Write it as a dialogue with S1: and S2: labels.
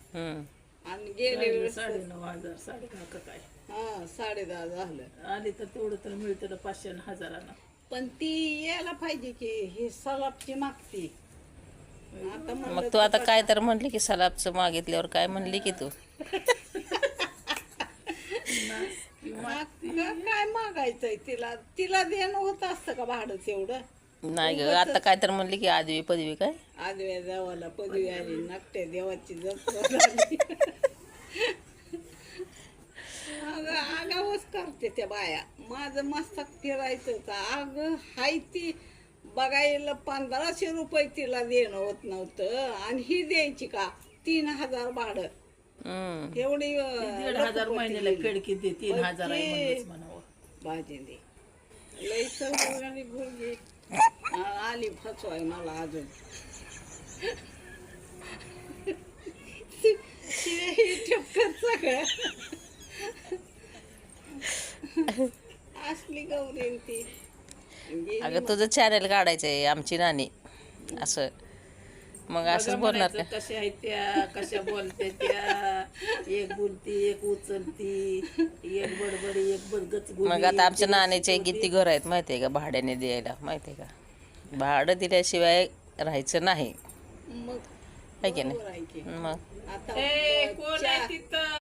S1: आणि गेले वेळेस
S2: 9,500 10,500 का काय
S1: 10:30 झालं.
S2: आली तर तेवढं तर मिळतं 500 आणि 1000.
S1: पण ती यायला पाहिजे की ही सलापची मागती. आता
S3: मग तू आता काय तर म्हणली की सलापचं मागितल्यावर काय म्हणली की तू
S1: काय मागायचंय तिला तिला देणं होत असतं का भाडंच एवढं.
S3: नाही ग आता काय तर म्हणली की आदवी पदवी काय
S1: आदव्या देवाला पदवी आली नाट्य देवाची जत्रा झाली. आगावच करते त्या बाया. माझं मस्तक फिरायचं अग हाय ती बघायला 1500 रुपये तिला देणं होत नव्हतं आणि ही द्यायची का 3000 भाडं. एवढी
S2: 1,500 महिन्याला खिडकी दे 3,000 आहे म्हणूनच म्हणावं.
S1: भाजी दे लई चौघाली भुरगी आली फसवाय मला अजून. ठेपकर सगळं असली गौरी ती.
S3: अगं तुझं चॅनल काढायचंय आमची नानी असं मग असंच बोलणार का
S2: कशा आहेत त्या कशा बोलते त्या एक बोलती एक उचलती एक बडबडी एक बडगच
S3: मग आता आमच्या नाण्याचे किती घर आहेत माहितीये का भाड्याने द्यायला माहितीये का भाडं दिल्याशिवाय राहायचं नाही
S1: मग
S3: आहे की नाही मग
S1: आता
S2: कोण आहे तिथं